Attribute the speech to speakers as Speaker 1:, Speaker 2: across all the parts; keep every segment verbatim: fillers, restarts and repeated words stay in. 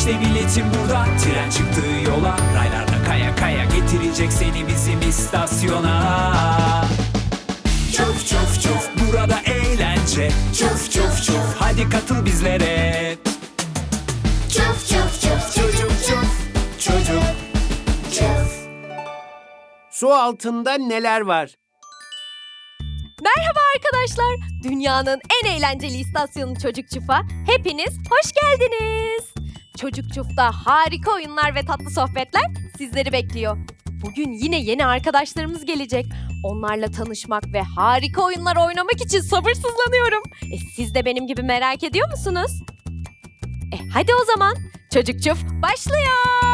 Speaker 1: İşte biletim burada, tren çıktı yola. Raylarda kaya kaya getirecek seni bizim istasyona. Çuf çuf çuf, burada eğlence. Çuf çuf çuf, hadi katıl bizlere.
Speaker 2: Çuf çuf çuf çocuk çuf.
Speaker 1: Çocuk
Speaker 2: Çuf.
Speaker 3: Su altında neler var?
Speaker 4: Merhaba arkadaşlar. Dünyanın en eğlenceli istasyonu Çocuk Çuf'a hepiniz hoş geldiniz. Çocuk Çuf'ta harika oyunlar ve tatlı sohbetler sizleri bekliyor. Bugün yine yeni arkadaşlarımız gelecek. Onlarla tanışmak ve harika oyunlar oynamak için sabırsızlanıyorum. E, siz de benim gibi merak ediyor musunuz? E, hadi o zaman Çocuk Çuf başlıyor.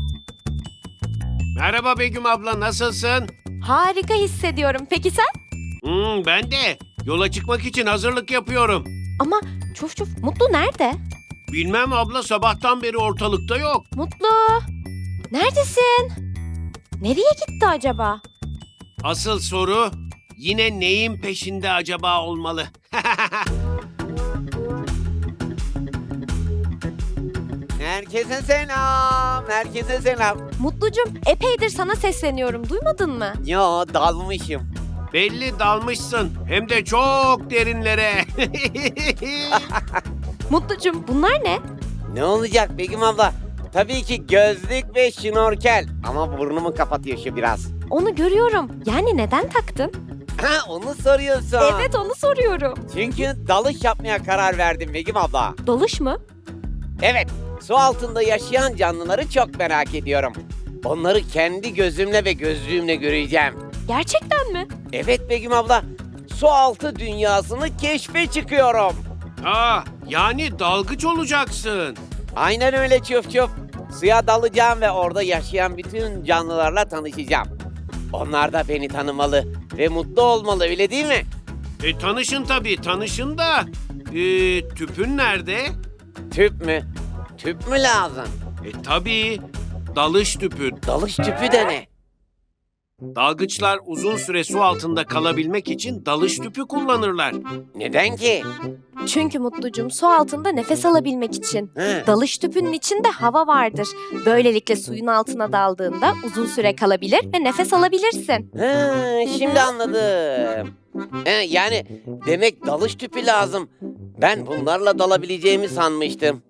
Speaker 3: Merhaba Begüm abla, nasılsın?
Speaker 4: Harika hissediyorum. Peki sen?
Speaker 3: Hmm, ben de. Yola çıkmak için hazırlık yapıyorum.
Speaker 4: Ama Çuf Çuf, Mutlu nerede?
Speaker 3: Bilmem abla, sabahtan beri ortalıkta yok.
Speaker 4: Mutlu, neredesin? Nereye gitti acaba?
Speaker 3: Asıl soru yine neyin peşinde acaba olmalı?
Speaker 5: Herkese selam, herkese selam.
Speaker 4: Mutlucum, epeydir sana sesleniyorum. Duymadın mı?
Speaker 5: Yo, dalmışım.
Speaker 3: Belli dalmışsın. Hem de çok derinlere.
Speaker 4: Mutlucum, bunlar ne?
Speaker 5: Ne olacak Begüm abla? Tabii ki gözlük ve şnorkel. Ama burnumu kapatıyor şu biraz.
Speaker 4: Onu görüyorum. Yani neden taktın?
Speaker 5: Ha, onu soruyorsun.
Speaker 4: Evet, onu soruyorum.
Speaker 5: Çünkü dalış yapmaya karar verdim Begüm abla.
Speaker 4: Dalış mı?
Speaker 5: Evet, su altında yaşayan canlıları çok merak ediyorum. Onları kendi gözümle ve gözlüğümle göreceğim.
Speaker 4: Gerçekten mi?
Speaker 5: Evet Begüm abla, su altı dünyasını keşfe çıkıyorum.
Speaker 3: Aa, yani dalgıç olacaksın.
Speaker 5: Aynen öyle çuf çuf. Suya dalacağım ve orada yaşayan bütün canlılarla tanışacağım. Onlar da beni tanımalı ve mutlu olmalı, öyle değil mi?
Speaker 3: E tanışın tabii, tanışın da. E, tüpün nerede?
Speaker 5: Tüp mü? Tüp mü lazım?
Speaker 3: E tabii, dalış tüpü.
Speaker 5: Dalış tüpü de ne?
Speaker 3: Dalgıçlar uzun süre su altında kalabilmek için dalış tüpü kullanırlar.
Speaker 5: Neden ki?
Speaker 4: Çünkü Mutlucum, su altında nefes alabilmek için.
Speaker 5: Hı.
Speaker 4: Dalış tüpünün içinde hava vardır. Böylelikle suyun altına daldığında uzun süre kalabilir ve nefes alabilirsin.
Speaker 5: Ha, şimdi anladım. He, yani demek dalış tüpü lazım. Ben bunlarla dalabileceğimi sanmıştım.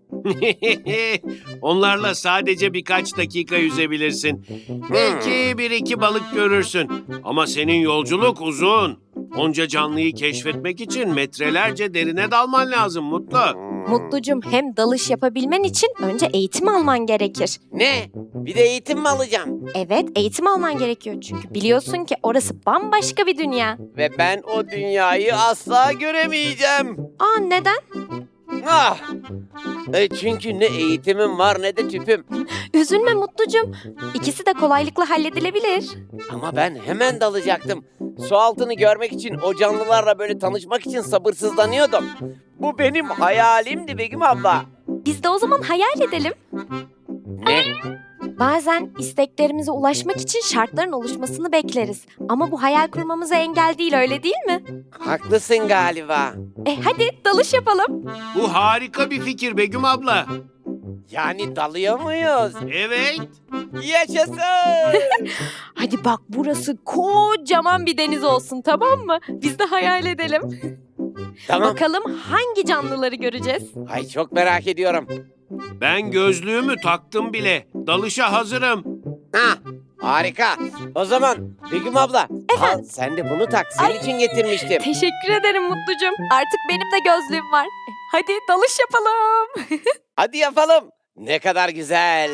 Speaker 3: Onlarla sadece birkaç dakika yüzebilirsin. Belki bir iki balık görürsün. Ama senin yolculuk uzun. Onca canlıyı keşfetmek için metrelerce derine dalman lazım Mutlu.
Speaker 4: Mutlucum, hem dalış yapabilmen için önce eğitim alman gerekir.
Speaker 5: Ne? Bir de eğitim mi alacağım?
Speaker 4: Evet, eğitim alman gerekiyor çünkü biliyorsun ki orası bambaşka bir dünya.
Speaker 5: Ve ben o dünyayı asla göremeyeceğim.
Speaker 4: Aa, neden?
Speaker 5: Ah! E çünkü ne eğitimim var ne de tüpüm.
Speaker 4: Üzülme Mutlucum. İkisi de kolaylıkla halledilebilir.
Speaker 5: Ama ben hemen dalacaktım. Su altını görmek için, o canlılarla böyle tanışmak için sabırsızlanıyordum. Bu benim hayalimdi Begüm abla.
Speaker 4: Biz de o zaman hayal edelim.
Speaker 5: Ne?
Speaker 4: Bazen isteklerimize ulaşmak için şartların oluşmasını bekleriz. Ama bu hayal kurmamıza engel değil, öyle değil mi?
Speaker 5: Haklısın galiba.
Speaker 4: E hadi dalış yapalım.
Speaker 3: Bu harika bir fikir Begüm abla.
Speaker 5: Yani dalıyor muyuz?
Speaker 3: Evet.
Speaker 5: Yaşasın!
Speaker 4: Hadi bak, burası kocaman bir deniz olsun, tamam mı? Biz de hayal edelim.
Speaker 5: Tamam.
Speaker 4: Bakalım hangi canlıları göreceğiz?
Speaker 5: Ay çok merak ediyorum.
Speaker 3: Ben gözlüğümü taktım bile. Dalışa hazırım.
Speaker 5: Ha, harika. O zaman Begüm abla, al sen de bunu tak. Senin için getirmiştim.
Speaker 4: Teşekkür ederim Mutlucum. Artık benim de gözlüğüm var. E, Hadi dalış yapalım.
Speaker 5: Hadi yapalım. Ne kadar güzel.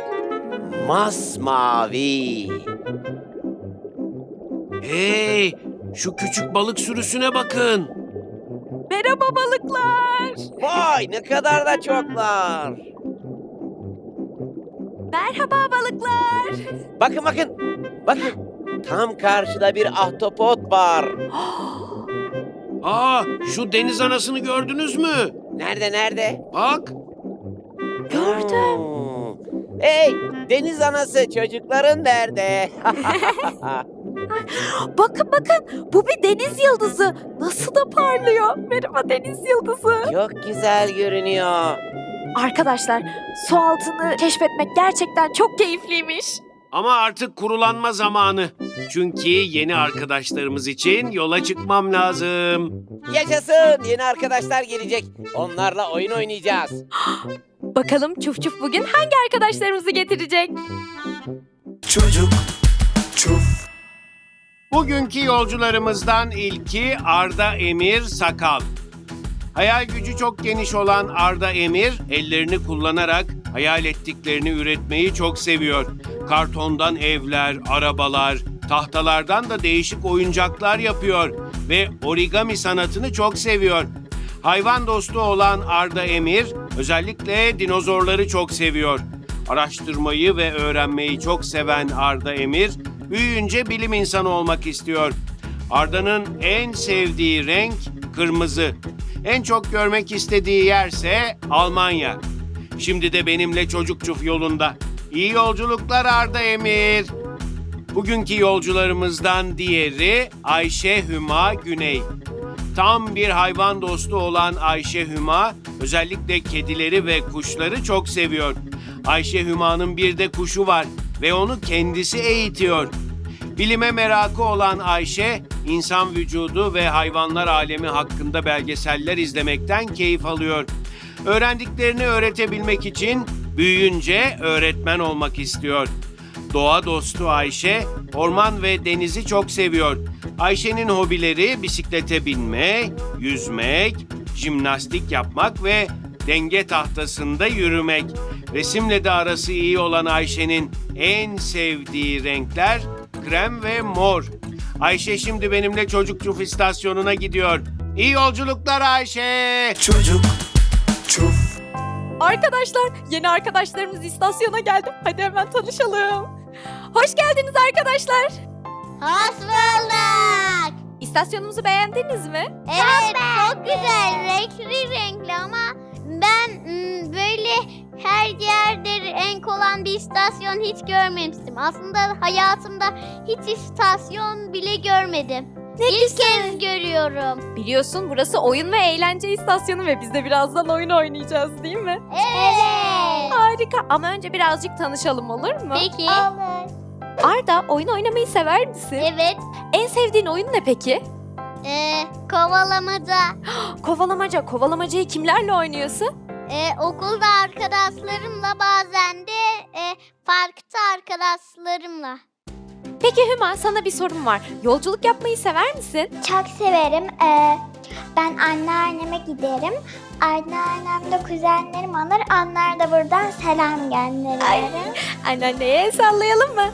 Speaker 5: Masmavi.
Speaker 3: Hey, şu küçük balık sürüsüne bakın.
Speaker 4: Merhaba balıklar.
Speaker 5: Vay ne kadar da çoklar.
Speaker 4: Merhaba balıklar.
Speaker 5: Bakın bakın. Bakın. Tam karşıda bir ahtapot var.
Speaker 3: Aa, şu deniz anasını gördünüz mü?
Speaker 5: Nerede nerede?
Speaker 3: Bak.
Speaker 4: Gördüm.
Speaker 5: Hmm. Hey deniz anası, çocukların nerede?
Speaker 4: Bakın bakın, bu bir deniz yıldızı. Nasıl da parlıyor. Merhaba deniz yıldızı.
Speaker 5: Çok güzel görünüyor.
Speaker 4: Arkadaşlar, su altını keşfetmek gerçekten çok keyifliymiş.
Speaker 3: Ama artık kurulanma zamanı. Çünkü yeni arkadaşlarımız için yola çıkmam lazım.
Speaker 5: Yaşasın! Yeni arkadaşlar gelecek. Onlarla oyun oynayacağız.
Speaker 4: Bakalım Çuf Çuf bugün hangi arkadaşlarımızı getirecek?
Speaker 1: Çocuk çuf.
Speaker 3: Bugünkü yolcularımızdan ilki Arda Emir Sakal. Hayal gücü çok geniş olan Arda Emir, ellerini kullanarak hayal ettiklerini üretmeyi çok seviyor. Kartondan evler, arabalar, tahtalardan da değişik oyuncaklar yapıyor ve origami sanatını çok seviyor. Hayvan dostu olan Arda Emir, özellikle dinozorları çok seviyor. Araştırmayı ve öğrenmeyi çok seven Arda Emir, büyüyünce bilim insanı olmak istiyor. Arda'nın en sevdiği renk kırmızı. En çok görmek istediği yerse Almanya. Şimdi de benimle Çocuk Çuf yolunda. İyi yolculuklar Arda Emir. Bugünkü yolcularımızdan diğeri Ayşe Hüma Güney. Tam bir hayvan dostu olan Ayşe Hüma, özellikle kedileri ve kuşları çok seviyor. Ayşe Hüma'nın bir de kuşu var ve onu kendisi eğitiyor. Bilime merakı olan Ayşe, insan vücudu ve hayvanlar alemi hakkında belgeseller izlemekten keyif alıyor. Öğrendiklerini öğretebilmek için büyüyünce öğretmen olmak istiyor. Doğa dostu Ayşe, orman ve denizi çok seviyor. Ayşe'nin hobileri bisiklete binme, yüzmek, jimnastik yapmak ve denge tahtasında yürümek. Resimle de arası iyi olan Ayşe'nin en sevdiği renkler krem ve mor. Ayşe şimdi benimle Çocuk Çuf istasyonuna gidiyor. İyi yolculuklar Ayşe.
Speaker 1: Çocuk çuf.
Speaker 4: Arkadaşlar, yeni arkadaşlarımız istasyona geldi. Hadi hemen tanışalım. Hoş geldiniz arkadaşlar.
Speaker 2: Hoş bulduk.
Speaker 4: İstasyonumuzu beğendiniz mi?
Speaker 2: Evet, çok güzel. Renkli renkli ama ben mm, böyle her yerde renk olan bir istasyon hiç görmemiştim. Aslında hayatımda hiç istasyon bile görmedim.
Speaker 4: Ne
Speaker 2: İlk
Speaker 4: güzel.
Speaker 2: kez görüyorum.
Speaker 4: Biliyorsun burası oyun ve eğlence istasyonu ve biz de birazdan oyun oynayacağız değil mi?
Speaker 2: Evet.
Speaker 4: Harika, ama önce birazcık tanışalım, olur mu?
Speaker 2: Peki.
Speaker 4: Olur. Arda, oyun oynamayı sever misin?
Speaker 2: Evet.
Speaker 4: En sevdiğin oyun ne peki?
Speaker 2: Ee, kovalamaca.
Speaker 4: Kovalamaca. Kovalamacayı kimlerle oynuyorsun?
Speaker 2: Ee, okulda arkadaşlarımla, bazen de e, parkta arkadaşlarımla.
Speaker 4: Peki Hüma, sana bir sorum var. Yolculuk yapmayı sever misin?
Speaker 6: Çok severim. Ee, ben anneanneme giderim. Anneannem de kuzenlerim alır. Onlar da buradan selam gönderirim.
Speaker 4: Anneanneye el sallayalım mı?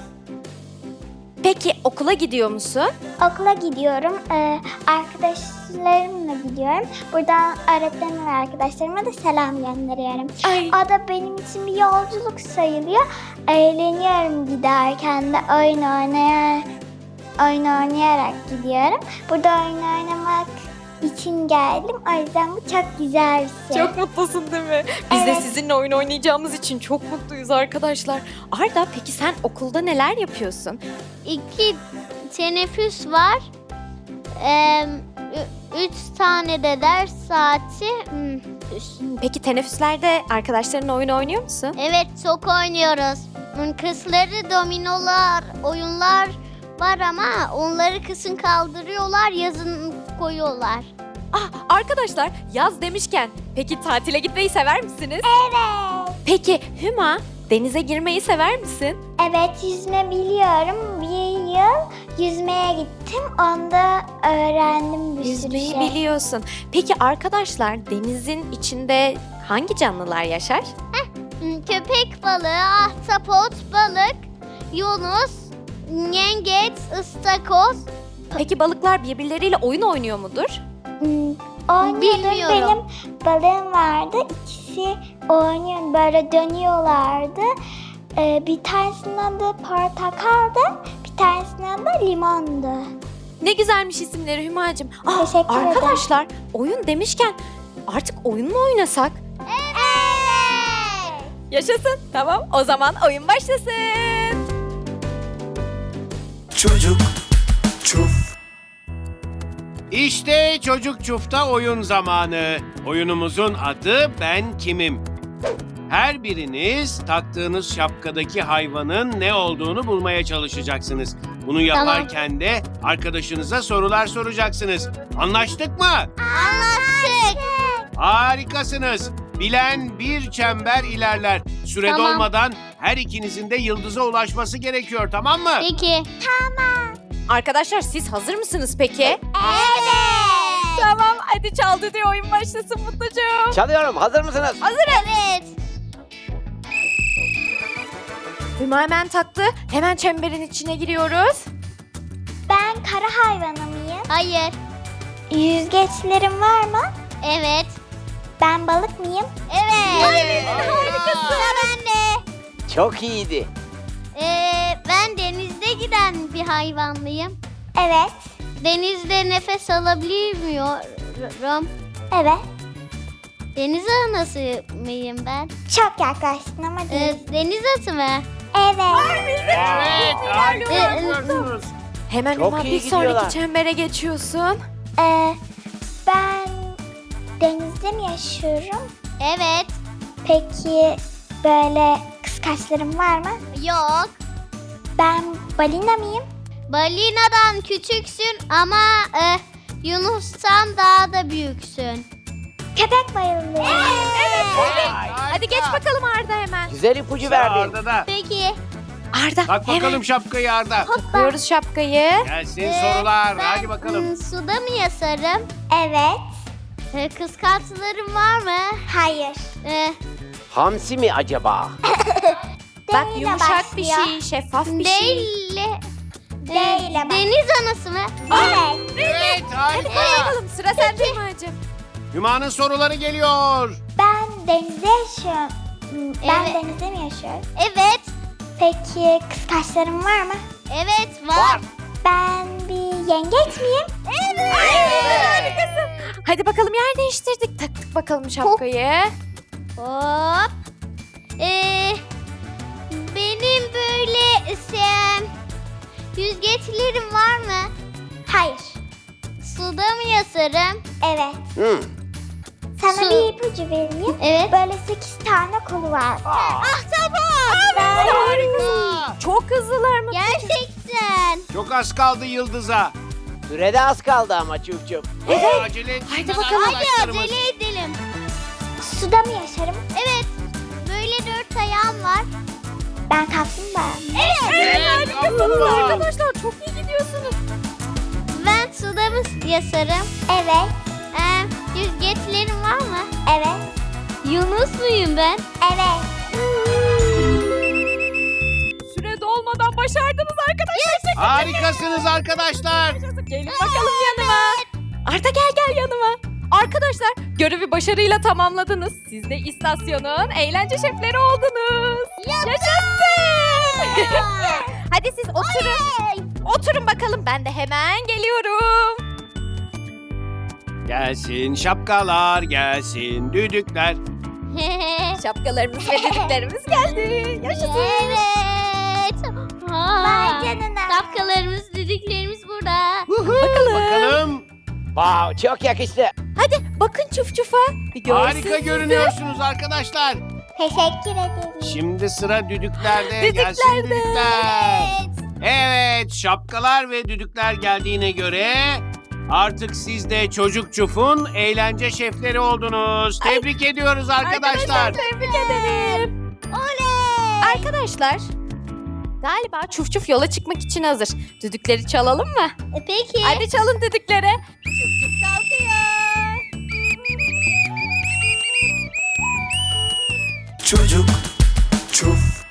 Speaker 4: Peki okula gidiyor musun?
Speaker 6: Okula gidiyorum. Ee, arkadaşlarımla gidiyorum. Buradan öğretmenim ve arkadaşlarıma da selam gönderiyorum.
Speaker 4: Ay.
Speaker 6: O da benim için bir yolculuk sayılıyor. Eğleniyorum giderken de oyun oynaya, oyun oynayarak gidiyorum. Burada oyun oynamak için geldim. O yüzden bu çok güzel bir şey.
Speaker 4: Çok mutlusun değil mi? Biz de
Speaker 6: Evet.
Speaker 4: sizinle oyun oynayacağımız için çok mutluyuz arkadaşlar. Arda, peki sen okulda neler yapıyorsun?
Speaker 2: İki teneffüs var. Ee, ü- üç tane de ders saati. Hmm.
Speaker 4: Peki teneffüslerde arkadaşlarınla oyun oynuyor musun?
Speaker 2: Evet, çok oynuyoruz. Hmm, Kızları dominolar, oyunlar var ama onları kısın kaldırıyorlar, yazın koyuyorlar.
Speaker 4: Ah, arkadaşlar, yaz demişken peki tatile gitmeyi sever misiniz?
Speaker 6: Evet.
Speaker 4: Peki Hüma, denize girmeyi sever misin?
Speaker 6: Evet, yüzme biliyorum. Bir yıl yüzmeye gittim. Onda öğrendim bir
Speaker 4: Yüzmeyi
Speaker 6: sürü şey.
Speaker 4: biliyorsun. Peki arkadaşlar, denizin içinde hangi canlılar yaşar?
Speaker 2: Hmm, Köpek balığı, ahtapot, balık, yunus, yengeç, ıstakoz.
Speaker 4: Peki balıklar birbirleriyle oyun oynuyor mudur?
Speaker 6: Hmm, oynuyordur.
Speaker 2: Bilmiyorum.
Speaker 6: Benim balığım vardı. İkisi oynuyor. Böyle dönüyorlardı. Ee, bir tanesinin adı portakaldı. Bir tanesinin adı limondu.
Speaker 4: Ne güzelmiş isimleri Hümacığım. Ah,
Speaker 6: Teşekkür ederim.
Speaker 4: arkadaşlar, oyun demişken artık oyun mu oynasak?
Speaker 2: Evet.
Speaker 4: Yaşasın. Tamam, o zaman oyun başlasın.
Speaker 1: Çocuk çuf.
Speaker 3: İşte Çocuk Çuf'ta oyun zamanı. Oyunumuzun adı Ben Kimim. Her biriniz taktığınız şapkadaki hayvanın ne olduğunu bulmaya çalışacaksınız. Bunu yaparken de arkadaşınıza sorular soracaksınız. Anlaştık mı?
Speaker 2: Anlaştık.
Speaker 3: Harikasınız. Bilen bir çember ilerler. Süre
Speaker 2: Tamam.
Speaker 3: dolmadan her ikinizin de yıldıza ulaşması gerekiyor, tamam mı?
Speaker 2: Peki.
Speaker 4: Arkadaşlar siz hazır mısınız peki?
Speaker 2: Evet.
Speaker 4: Tamam hadi çaldı diye oyun başlasın Mutlucuğum.
Speaker 5: Çalıyorum. Hazır mısınız?
Speaker 2: Evet.
Speaker 4: Hüma hemen taktı. Hemen çemberin içine giriyoruz.
Speaker 6: Ben kara hayvanı mıyım?
Speaker 2: Hayır.
Speaker 6: Yüzgeçlerim var mı?
Speaker 2: Evet.
Speaker 6: Ben balık mıyım?
Speaker 2: Evet.
Speaker 3: Harikasın.
Speaker 2: Sıra bende.
Speaker 5: Çok iyiydi.
Speaker 2: Ee, ben denizde giden bir hayvanlıyım.
Speaker 6: Evet.
Speaker 2: Denizde nefes alabiliyorum.
Speaker 6: Evet.
Speaker 2: Deniz anası mıyım ben?
Speaker 6: Çok yaklaştın ama
Speaker 2: Ee,
Speaker 6: değil.
Speaker 2: deniz atı mı?
Speaker 6: Evet.
Speaker 3: Evet, harikasınız.
Speaker 4: Hemen
Speaker 5: Çok
Speaker 4: Hüma
Speaker 5: iyi
Speaker 4: bir sonraki
Speaker 5: gidiyorlar.
Speaker 4: çembere geçiyorsun.
Speaker 6: Ee, ben denizde mi yaşıyorum?
Speaker 2: Evet.
Speaker 6: Peki böyle kıskaçlarım var mı?
Speaker 2: Yok.
Speaker 6: Ben balina mıyım?
Speaker 2: Balinadan küçüksün ama e, Yunus'tan daha da büyüksün.
Speaker 6: Köpek balığıyım.
Speaker 2: Evet.
Speaker 4: Hadi geç bakalım Arda hemen.
Speaker 5: Güzel ipucu verdin.
Speaker 3: Arda da.
Speaker 2: Peki.
Speaker 4: Arda
Speaker 3: Tak
Speaker 4: hemen
Speaker 3: bakalım şapkayı Arda.
Speaker 4: takıyoruz şapkayı.
Speaker 3: Gelsin
Speaker 2: Ee,
Speaker 3: sorular.
Speaker 2: ben,
Speaker 3: Hadi bakalım.
Speaker 2: ım, suda mı yaşarım?
Speaker 6: Evet.
Speaker 2: Ee, kıskançlarım var mı?
Speaker 6: Hayır.
Speaker 2: Ee,
Speaker 5: Hamsi mi acaba?
Speaker 4: Bak
Speaker 6: D ile
Speaker 4: yumuşak bir
Speaker 6: başlıyor.
Speaker 4: şey, şeffaf bir şey.
Speaker 2: değil.
Speaker 6: D
Speaker 2: Ee,
Speaker 6: ile bak.
Speaker 2: deniz anası mı?
Speaker 6: Evet.
Speaker 3: Evet,
Speaker 4: Hadi
Speaker 3: harika.
Speaker 4: koy bakalım sıra sende Hümacığım.
Speaker 3: Hüma'nın soruları geliyor.
Speaker 6: Ben denizde yaşıyorum. Hmm, Ben
Speaker 2: Evet.
Speaker 6: denizde mi yaşıyorum?
Speaker 2: Evet.
Speaker 6: Peki kıskaçlarım var mı?
Speaker 2: Evet var.
Speaker 6: Ben bir yengeç miyim?
Speaker 2: Evet.
Speaker 4: Harikasın. Hadi bakalım yer değiştirdik. Taktık bakalım şapkayı.
Speaker 2: Hop. Ee, benim böyle şey, yüzgeçlerim var mı?
Speaker 6: Hayır.
Speaker 2: Suda mı yaşarım?
Speaker 6: Evet.
Speaker 5: Hmm.
Speaker 6: Sana
Speaker 2: Su.
Speaker 6: bir ipucu vereyim.
Speaker 2: Evet.
Speaker 6: Böyle sekiz tane kolu var.
Speaker 2: Ah tamam.
Speaker 4: Harika. Çok hızlılar mı?
Speaker 2: Gerçekten.
Speaker 3: Çok az kaldı yıldıza.
Speaker 5: Sürede az kaldı ama çuf çuf.
Speaker 3: Evet. Acele
Speaker 4: Haydi
Speaker 3: etsinler
Speaker 4: bakalım.
Speaker 2: Hadi
Speaker 3: arkadaşlarımız.
Speaker 2: acele edelim.
Speaker 6: Suda mı yaşarım?
Speaker 2: Evet. Böyle dört ayağım var.
Speaker 6: Ben kaplumbağa.
Speaker 2: Evet.
Speaker 4: Harikasınız arkadaşlar. Çok iyi gidiyorsunuz.
Speaker 2: Ben suda mı yaşarım?
Speaker 6: Evet.
Speaker 2: Ee, yüzgeçlerim var mı?
Speaker 6: Evet.
Speaker 2: Yunus muyum ben?
Speaker 6: Evet.
Speaker 4: Süre dolmadan başardınız arkadaşlar.
Speaker 3: Harikasınız arkadaşlar.
Speaker 4: Gelin bakalım yanıma. Arda gel gel yanıma. Arkadaşlar görevi başarıyla tamamladınız. Siz de istasyonun eğlence şefleri oldunuz. Yaşasın. Hadi siz oturun. Oturun bakalım ben de hemen geliyorum.
Speaker 3: Gelsin şapkalar, gelsin düdükler.
Speaker 4: Şapkalarımız ve düdüklerimiz geldi. Yaşasın.
Speaker 2: Evet.
Speaker 6: Vay
Speaker 2: Ha.
Speaker 6: canına.
Speaker 2: Şapkalarımız, düdüklerimiz burada.
Speaker 4: Bakalım.
Speaker 3: Bakalım.
Speaker 5: Wow, çok yakıştı.
Speaker 4: Hadi bakın çuf çufa. Bir görsün
Speaker 3: Harika
Speaker 4: sizi.
Speaker 3: görünüyorsunuz arkadaşlar.
Speaker 6: Teşekkür ederim.
Speaker 3: Şimdi sıra düdüklerde.
Speaker 4: Düdüklerde.
Speaker 3: Gelsin düdükler.
Speaker 2: Evet.
Speaker 3: Evet, şapkalar ve düdükler geldiğine göre artık siz de Çocuk Çuf'un eğlence şefleri oldunuz. Tebrik ediyoruz arkadaşlar.
Speaker 4: Tebrik ederim.
Speaker 2: Oley.
Speaker 4: Arkadaşlar galiba çuf çuf yola çıkmak için hazır. Düdükleri çalalım mı?
Speaker 2: E, peki.
Speaker 4: Hadi çalın düdükleri.
Speaker 1: Çocuk çuf.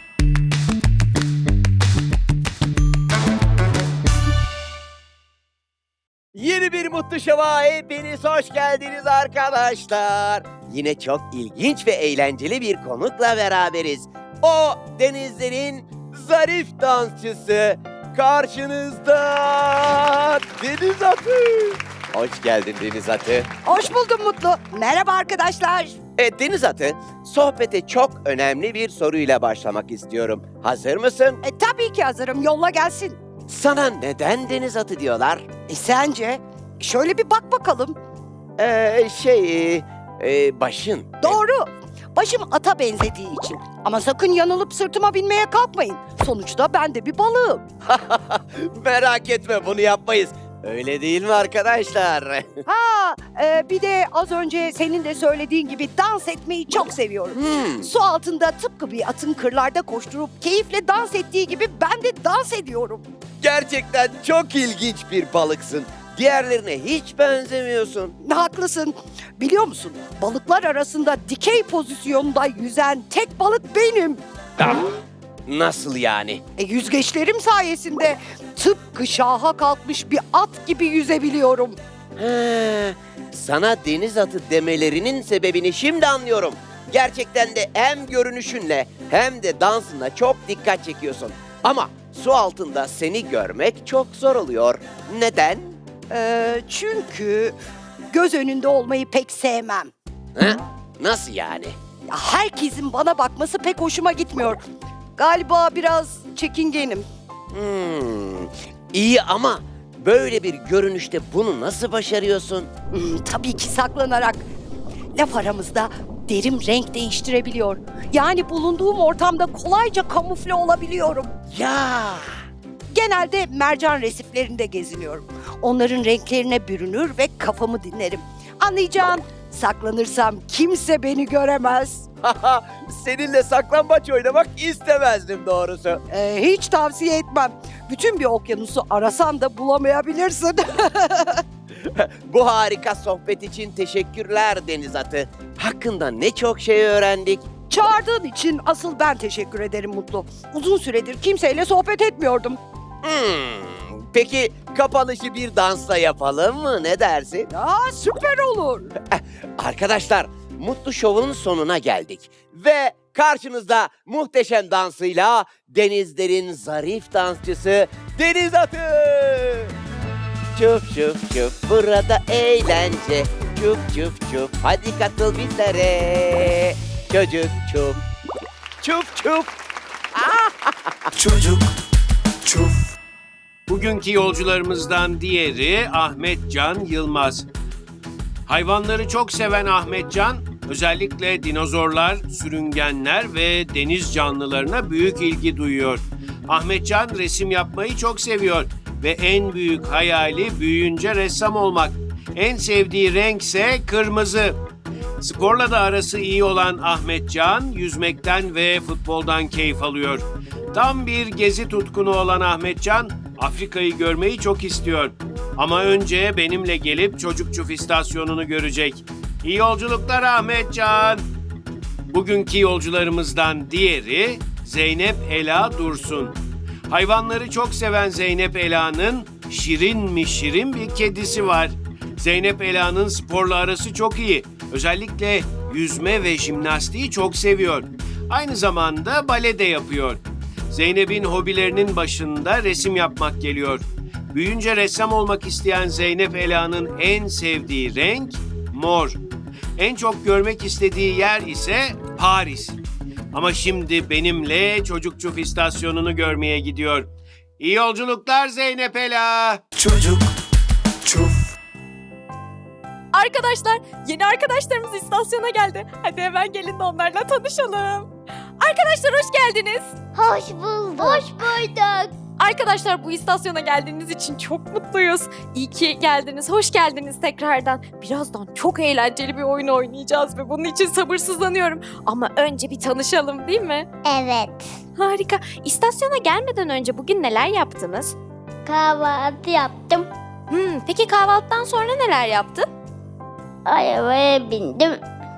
Speaker 5: Yeni bir Mutlu Şov'a hepiniz hoş geldiniz arkadaşlar. Yine çok ilginç ve eğlenceli bir konukla beraberiz. O denizlerin zarif dansçısı karşınızda Deniz Atı. Hoş geldin Deniz Atı.
Speaker 7: Hoş buldum Mutlu. Merhaba arkadaşlar.
Speaker 5: Evet Deniz Atı, sohbete çok önemli bir soruyla başlamak istiyorum. Hazır mısın?
Speaker 7: E, tabii ki hazırım. Yolla gelsin.
Speaker 5: Sana neden Deniz Atı diyorlar?
Speaker 7: E, sence? Şöyle bir bak bakalım.
Speaker 5: Ee, şey, e, başın.
Speaker 7: Doğru. Başım ata benzediği için. Ama sakın yanılıp sırtıma binmeye kalkmayın. Sonuçta ben de bir balığım.
Speaker 5: Merak etme, bunu yapmayız. Öyle değil mi arkadaşlar?
Speaker 7: Ha, e, bir de az önce senin de söylediğin gibi dans etmeyi çok seviyorum.
Speaker 5: Hmm,
Speaker 7: Su altında tıpkı bir atın kırlarda koşturup keyifle dans ettiği gibi ben de dans ediyorum.
Speaker 5: gerçekten çok ilginç bir balıksın. Diğerlerine hiç benzemiyorsun.
Speaker 7: Haklısın. Biliyor musun? Balıklar arasında dikey pozisyonda yüzen tek balık benim.
Speaker 5: Ah, nasıl yani?
Speaker 7: E, yüzgeçlerim sayesinde tıpkı şaha kalkmış bir at gibi yüzebiliyorum.
Speaker 5: He, sana deniz atı demelerinin sebebini şimdi anlıyorum. Gerçekten de hem görünüşünle hem de dansınla çok dikkat çekiyorsun. Ama su altında seni görmek çok zor oluyor. Neden?
Speaker 7: E, çünkü göz önünde olmayı pek sevmem.
Speaker 5: He? Nasıl yani?
Speaker 7: Ya, herkesin bana bakması pek hoşuma gitmiyor. Galiba biraz çekingenim.
Speaker 5: Hmm, iyi ama böyle bir görünüşte bunu nasıl başarıyorsun?
Speaker 7: Hmm, tabii ki saklanarak. Laf aramızda derim renk değiştirebiliyor. Yani bulunduğum ortamda kolayca kamufle olabiliyorum.
Speaker 5: Ya!
Speaker 7: Genelde mercan resiflerinde geziniyorum. Onların renklerine bürünür ve kafamı dinlerim. Anlayacağın, saklanırsam kimse beni göremez.
Speaker 5: Seninle saklambaç oynamak istemezdim doğrusu.
Speaker 7: Ee, hiç tavsiye etmem. Bütün bir okyanusu arasan da bulamayabilirsin.
Speaker 5: Bu harika sohbet için teşekkürler deniz atı. Hakkında ne çok şey öğrendik.
Speaker 7: Çağırdığın için asıl ben teşekkür ederim Mutlu. Uzun süredir kimseyle sohbet etmiyordum.
Speaker 5: Hmm, peki kapanışı bir dansla yapalım mı? Ne dersin?
Speaker 7: Aa, süper olur.
Speaker 5: Arkadaşlar, Mutlu Show'un sonuna geldik. Ve karşınızda muhteşem dansıyla denizlerin zarif dansçısı Deniz Atı. Çuf çuf çuf, burada eğlence. Çuf çuf çuf, hadi katıl bizlere. Çocuk çuf, çuf çuf.
Speaker 1: Çocuk çuf.
Speaker 3: Bugünkü yolcularımızdan diğeri Ahmetcan Yılmaz. Hayvanları çok seven Ahmetcan, özellikle dinozorlar, sürüngenler ve deniz canlılarına büyük ilgi duyuyor. Ahmetcan resim yapmayı çok seviyor ve en büyük hayali büyüyünce ressam olmak. En sevdiği renkse kırmızı. Sporla da arası iyi olan Ahmetcan, yüzmekten ve futboldan keyif alıyor. Tam bir gezi tutkunu olan Ahmetcan, Afrika'yı görmeyi çok istiyor. Ama önce benimle gelip Çocuk Çuf istasyonunu görecek. İyi yolculuklar Ahmetcan. Bugünkü yolcularımızdan diğeri Zeynep Ela Dursun. Hayvanları çok seven Zeynep Ela'nın şirin mi şirin bir kedisi var. Zeynep Ela'nın sporla arası çok iyi. Özellikle yüzme ve jimnastiği çok seviyor. Aynı zamanda bale de yapıyor. Zeynep'in hobilerinin başında resim yapmak geliyor. Büyüyünce ressam olmak isteyen Zeynep Ela'nın en sevdiği renk mor. En çok görmek istediği yer ise Paris. Ama şimdi benimle Çocuk Çuf istasyonunu görmeye gidiyor. İyi yolculuklar Zeynep Ela.
Speaker 1: Çocuk çuf.
Speaker 4: Arkadaşlar, yeni arkadaşlarımız istasyona geldi. Hadi hemen gelin de onlarla tanışalım. Arkadaşlar hoş geldiniz.
Speaker 2: Hoş bulduk. Hoş bulduk.
Speaker 4: Arkadaşlar bu istasyona geldiğiniz için çok mutluyuz. İyi ki geldiniz, hoş geldiniz tekrardan. Birazdan çok eğlenceli bir oyun oynayacağız ve bunun için sabırsızlanıyorum. Ama önce bir tanışalım değil mi?
Speaker 2: Evet.
Speaker 4: Harika. İstasyona gelmeden önce bugün neler yaptınız?
Speaker 2: Kahvaltı yaptım.
Speaker 4: Hmm, peki kahvaltıdan sonra neler yaptın?
Speaker 2: Arabaya bindim.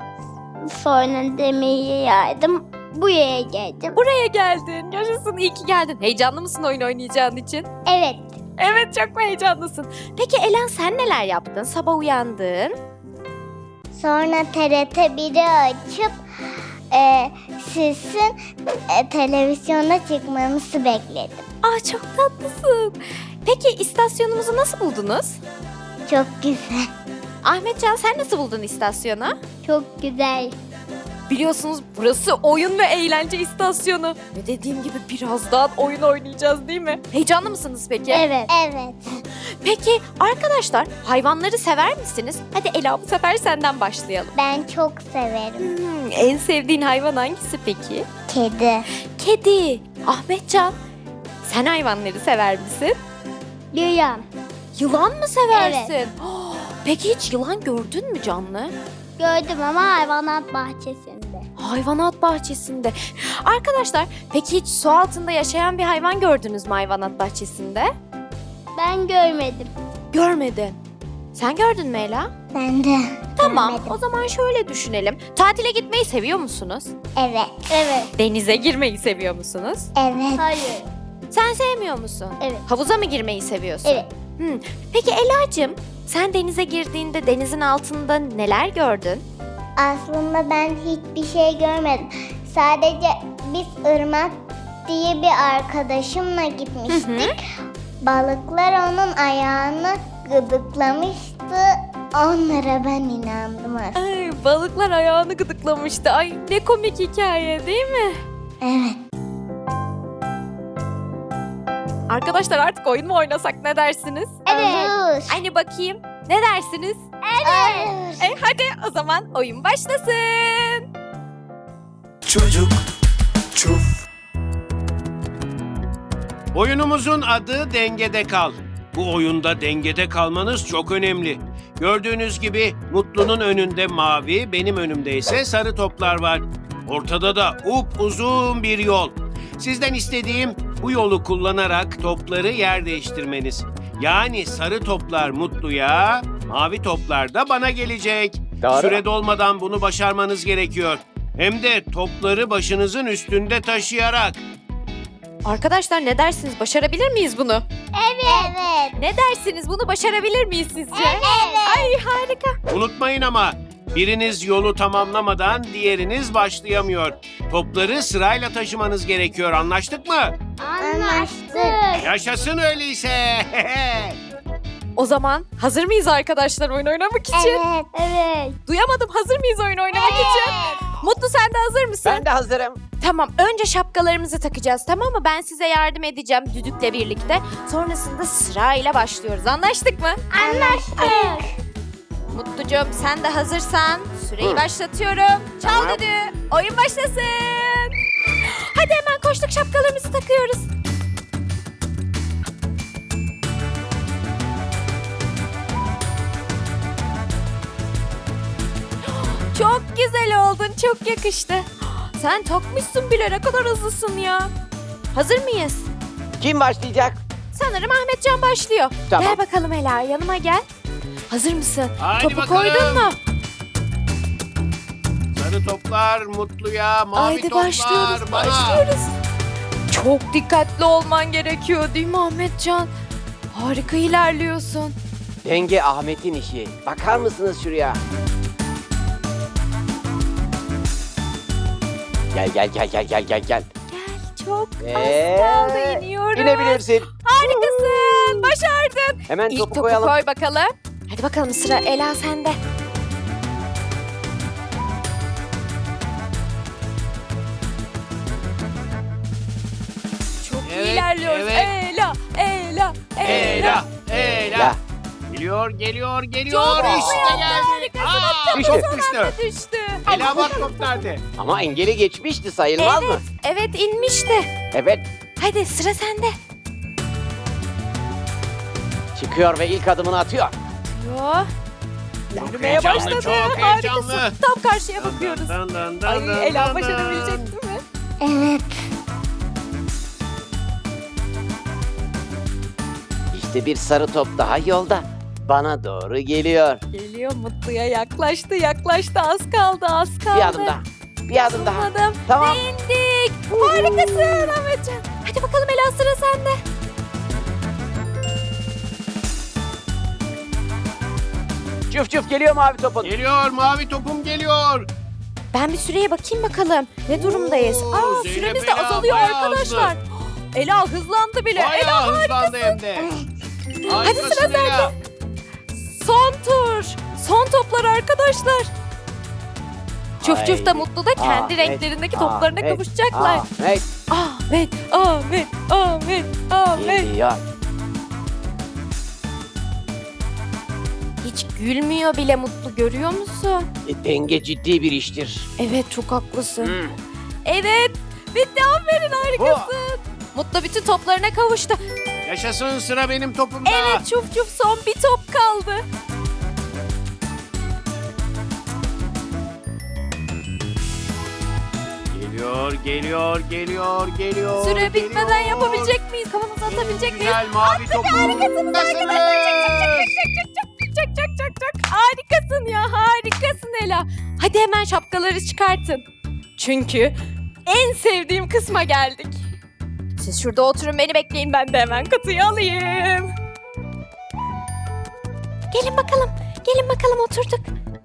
Speaker 2: Sonra demeyi yaydım. Buraya geldim.
Speaker 4: Buraya geldin. Yaşasın, iyi ki geldin. Heyecanlı mısın oyun oynayacağın için?
Speaker 2: Evet.
Speaker 4: Evet, çok mu heyecanlısın? Peki Elen sen neler yaptın? Sabah uyandın.
Speaker 2: Sonra T R T biri açıp e, sizin e, televizyona çıkmanızı bekledim.
Speaker 4: Aa, çok tatlısın. Peki istasyonumuzu nasıl buldunuz?
Speaker 2: Çok güzel.
Speaker 4: Ahmetcan sen nasıl buldun istasyonu?
Speaker 2: Çok güzel.
Speaker 4: Biliyorsunuz burası oyun ve eğlence istasyonu. Ve dediğim gibi birazdan oyun oynayacağız değil mi? Heyecanlı mısınız peki?
Speaker 2: Evet. Evet.
Speaker 4: Peki arkadaşlar hayvanları sever misiniz? Hadi Ela bu sefer senden başlayalım.
Speaker 6: Ben çok severim.
Speaker 4: Hmm, en sevdiğin hayvan hangisi peki?
Speaker 6: Kedi.
Speaker 4: Kedi. Ahmetcan sen hayvanları sever misin?
Speaker 2: Yılan.
Speaker 4: Yılan mı seversin? Peki hiç yılan gördün mü canlı?
Speaker 2: Gördüm ama hayvanat bahçesinde.
Speaker 4: Hayvanat bahçesinde. Arkadaşlar peki hiç su altında yaşayan bir hayvan gördünüz mü hayvanat bahçesinde?
Speaker 2: Ben görmedim.
Speaker 4: Görmedin. Sen gördün mü Ela?
Speaker 6: Ben de.
Speaker 4: Tamam.
Speaker 6: Görmedim.
Speaker 4: O zaman şöyle düşünelim. Tatile gitmeyi seviyor musunuz?
Speaker 6: Evet.
Speaker 2: Evet.
Speaker 4: Denize girmeyi seviyor musunuz?
Speaker 6: Evet.
Speaker 2: Hayır.
Speaker 4: Sen sevmiyor musun?
Speaker 2: Evet.
Speaker 4: Havuza mı girmeyi seviyorsun?
Speaker 2: Evet.
Speaker 4: Hmm. Peki Ela'cığım sen denize girdiğinde denizin altında neler gördün?
Speaker 6: Aslında ben hiçbir şey görmedim. Sadece biz Irmak diye bir arkadaşımla gitmiştik. Balıklar onun ayağını gıdıklamıştı. Onlara ben inandım aslında.
Speaker 4: Ay, balıklar ayağını gıdıklamıştı. Ay ne komik hikaye değil mi?
Speaker 6: Evet.
Speaker 4: Arkadaşlar artık oyun mu oynasak ne dersiniz?
Speaker 2: Evet.
Speaker 6: Olur.
Speaker 4: Hani bakayım ne dersiniz?
Speaker 6: Evet.
Speaker 4: E, hadi o zaman oyun başlasın.
Speaker 1: Çocuk çuf.
Speaker 3: Oyunumuzun adı Dengede Kal. Bu oyunda dengede kalmanız çok önemli. Gördüğünüz gibi Mutlu'nun önünde mavi, benim önümde ise sarı toplar var. Ortada da upuzun bir yol. Sizden istediğim bu yolu kullanarak topları yer değiştirmeniz. Yani sarı toplar Mutlu'ya, mavi toplar da bana gelecek.
Speaker 5: Doğru.
Speaker 3: Süre dolmadan bunu başarmanız gerekiyor. Hem de topları başınızın üstünde taşıyarak.
Speaker 4: Arkadaşlar ne dersiniz? Başarabilir miyiz bunu?
Speaker 6: Evet.
Speaker 4: Ne dersiniz? Bunu başarabilir miyiz sizce?
Speaker 6: Evet.
Speaker 4: Ay harika.
Speaker 3: Unutmayın ama biriniz yolu tamamlamadan diğeriniz başlayamıyor. Topları sırayla taşımanız gerekiyor. Anlaştık mı?
Speaker 2: Anlaştık.
Speaker 3: Yaşasın öyleyse.
Speaker 4: O zaman hazır mıyız arkadaşlar oyun oynamak için?
Speaker 6: Evet.
Speaker 2: Evet.
Speaker 4: Duyamadım. Hazır mıyız oyun oynamak için? Mutlu sen de hazır mısın?
Speaker 5: Ben de hazırım.
Speaker 4: Tamam. Önce şapkalarımızı takacağız tamam mı? Ben size yardım edeceğim düdükle birlikte. Sonrasında sırayla başlıyoruz. Anlaştık mı?
Speaker 2: Anlaştık.
Speaker 4: Mutlucuğum sen de hazırsan süreyi
Speaker 5: Hı.
Speaker 4: başlatıyorum. Çal
Speaker 5: Tamam.
Speaker 4: düdüğü. Oyun başlasın. Hadi hemen koştuk şapkalarımızı takıyoruz. Çok güzel oldun. Çok yakıştı. Sen takmışsın bile. Ne kadar hızlısın ya. Hazır mıyız?
Speaker 5: Kim başlayacak?
Speaker 4: Sanırım Ahmetcan başlıyor.
Speaker 5: Tamam.
Speaker 4: Gel bakalım Ela yanıma gel. Hazır mısın?
Speaker 3: Haydi
Speaker 4: Topu
Speaker 3: bakalım.
Speaker 4: koydun mu?
Speaker 3: Sarı toplar Mutlu'ya, mavi
Speaker 4: Haydi
Speaker 3: toplar
Speaker 4: başlıyoruz,
Speaker 3: bana.
Speaker 4: başlıyoruz. Çok dikkatli olman gerekiyor değil mi Ahmetcan? Harika ilerliyorsun.
Speaker 5: Denge Ahmet'in işi. Bakar mısınız şuraya? Gel gel gel gel gel gel gel.
Speaker 4: Gel çok
Speaker 5: Ee,
Speaker 4: az kaldı iniyoruz.
Speaker 5: İnebilirsin.
Speaker 4: Harikasın başardın.
Speaker 5: Hemen
Speaker 4: İlk
Speaker 5: topu
Speaker 4: topu
Speaker 5: koyalım.
Speaker 4: koy bakalım. Hadi bakalım sıra Ela sende. Çok iyi
Speaker 3: Evet,
Speaker 4: ilerliyoruz.
Speaker 3: evet.
Speaker 4: Ela, Ela, Ela.
Speaker 3: Ela, Ela.
Speaker 5: Ya.
Speaker 3: Geliyor, geliyor, geliyor.
Speaker 4: Çok
Speaker 3: işte
Speaker 4: hızlı
Speaker 3: geldi.
Speaker 4: harikasın.
Speaker 3: Aa,
Speaker 5: Düştü.
Speaker 3: top düştü.
Speaker 4: Düştü.
Speaker 3: Ela bak top nerede?
Speaker 5: Ama engeli geçmişti sayılmaz
Speaker 4: Evet,
Speaker 5: mı?
Speaker 4: evet inmişti.
Speaker 5: Evet.
Speaker 4: Hadi sıra sende.
Speaker 5: Çıkıyor ve ilk adımını atıyor.
Speaker 4: Yo.
Speaker 3: Çok
Speaker 4: Yürümeye
Speaker 3: heyecanlı,
Speaker 4: başladı.
Speaker 3: çok
Speaker 4: Harikasın.
Speaker 3: heyecanlı.
Speaker 4: Tam karşıya bakıyoruz.
Speaker 3: Dın dın dın dın
Speaker 4: Ay Ela
Speaker 3: dın
Speaker 4: başarabilecek
Speaker 3: dın.
Speaker 4: değil mi?
Speaker 6: Evet.
Speaker 5: İşte bir sarı top daha yolda. Bana doğru geliyor.
Speaker 4: Geliyor Mutlu'ya yaklaştı yaklaştı az kaldı az kaldı.
Speaker 5: Bir adım daha. Bir adım daha.
Speaker 4: Adım.
Speaker 5: Tamam.
Speaker 4: İndik. Harikasın Ahmetcan. Hadi bakalım Ela sıra sende.
Speaker 5: Çuf çuf geliyor mavi topun.
Speaker 3: Geliyor, mavi topum geliyor.
Speaker 4: Ben bir süreye bakayım bakalım. Ne durumdayız?
Speaker 3: Oo,
Speaker 4: Aa
Speaker 3: Zeynep
Speaker 4: süremiz de
Speaker 3: Ela
Speaker 4: azalıyor
Speaker 3: bayağı
Speaker 4: arkadaşlar. Ela hızlandı bile. Ela
Speaker 3: Bayağı hızlandı hem de.
Speaker 4: Hadi sıra
Speaker 3: Harikasın Ela.
Speaker 4: son tur. Son toplar arkadaşlar. Çuf Çuf da
Speaker 5: Haydi.
Speaker 4: Mutlu da kendi
Speaker 5: Ahmet,
Speaker 4: renklerindeki toplarına
Speaker 5: Ahmet,
Speaker 4: kavuşacaklar.
Speaker 5: Ahmet
Speaker 4: Ahmet, Ahmet, Ahmet, Ahmet.
Speaker 5: geliyor.
Speaker 4: Hiç gülmüyor bile Mutlu, görüyor musun?
Speaker 5: E, denge ciddi bir iştir.
Speaker 4: Evet, çok haklısın.
Speaker 5: Hmm.
Speaker 4: Evet, bitti, aferin, harikasın. Mutlu bütün toplarına kavuştu.
Speaker 3: Yaşasın, sıra benim topumda.
Speaker 4: Evet, Çuf Çuf son bir top kaldı.
Speaker 3: Geliyor, geliyor, geliyor, geliyor.
Speaker 4: Süre bitmeden
Speaker 3: geliyor.
Speaker 4: yapabilecek miyiz? Kafamızı atabilecek miyiz?
Speaker 3: Güzel mavi topu.
Speaker 4: Harikasınız arkadaşlar. Çok çok çok çok çok çok harikasın ya, harikasın Ela. Hadi hemen şapkaları çıkartın. Çünkü en sevdiğim kısma geldik. Siz şurada oturun, beni bekleyin, ben de hemen kutuyu alayım. Gelin bakalım, gelin bakalım, oturduk.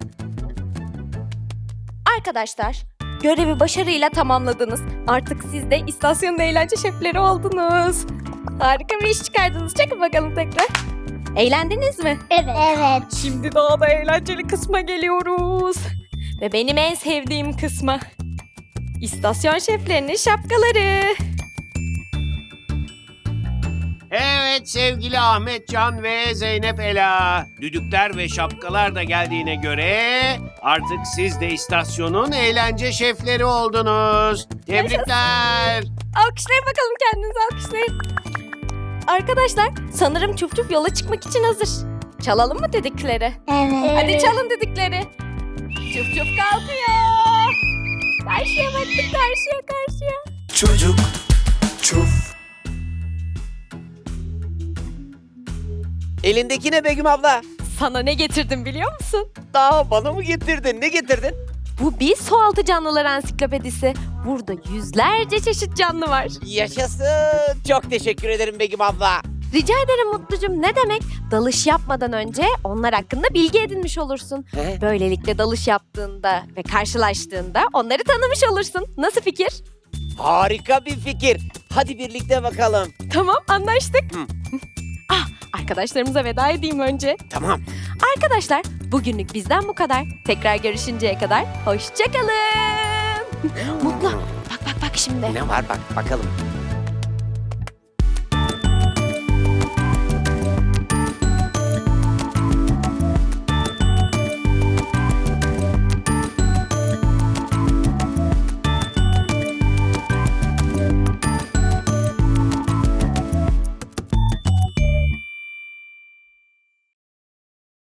Speaker 4: Arkadaşlar, görevi başarıyla tamamladınız. Artık siz de istasyonun eğlence şefleri oldunuz. Harika bir iş çıkardınız. Çekin bakalım tekrar. Eğlendiniz mi?
Speaker 2: Evet. Evet.
Speaker 4: Şimdi daha da eğlenceli kısma geliyoruz. Ve benim en sevdiğim kısma. İstasyon şeflerinin şapkaları.
Speaker 3: Evet sevgili Ahmet Can ve Zeynep Ela. Düdükler ve şapkalar da geldiğine göre artık siz de istasyonun eğlence şefleri oldunuz. Tebrikler.
Speaker 4: Alkışlayın bakalım, kendinizi alkışlayın. Arkadaşlar, sanırım Çuf Çuf yola çıkmak için hazır. Çalalım mı düdükleri?
Speaker 6: Evet.
Speaker 4: Hadi çalın düdükleri. Çuf Çuf kalkıyor. Karşıya baktık, karşıya karşıya.
Speaker 1: Çocuk çuf.
Speaker 5: Elindeki ne Begüm abla?
Speaker 4: Sana ne getirdim biliyor musun?
Speaker 5: Daha bana mı getirdin? Ne getirdin?
Speaker 4: Bu bir sualtı canlılar ansiklopedisi. Burada yüzlerce çeşit canlı var.
Speaker 5: Yaşasın. Çok teşekkür ederim Begüm abla.
Speaker 4: Rica ederim Mutlucum, ne demek? Dalış yapmadan önce onlar hakkında bilgi edinmiş olursun.
Speaker 5: He?
Speaker 4: Böylelikle dalış yaptığında ve karşılaştığında onları tanımış olursun. Nasıl fikir?
Speaker 5: Harika bir fikir. Hadi birlikte bakalım.
Speaker 4: Tamam, anlaştık.
Speaker 5: Hı.
Speaker 4: Ah, arkadaşlarımıza veda edeyim önce.
Speaker 5: Tamam.
Speaker 4: Arkadaşlar, bugünlük bizden bu kadar. Tekrar görüşünceye kadar hoşça kalın. Mutlu, bak bak bak şimdi.
Speaker 5: Ne var bak bakalım.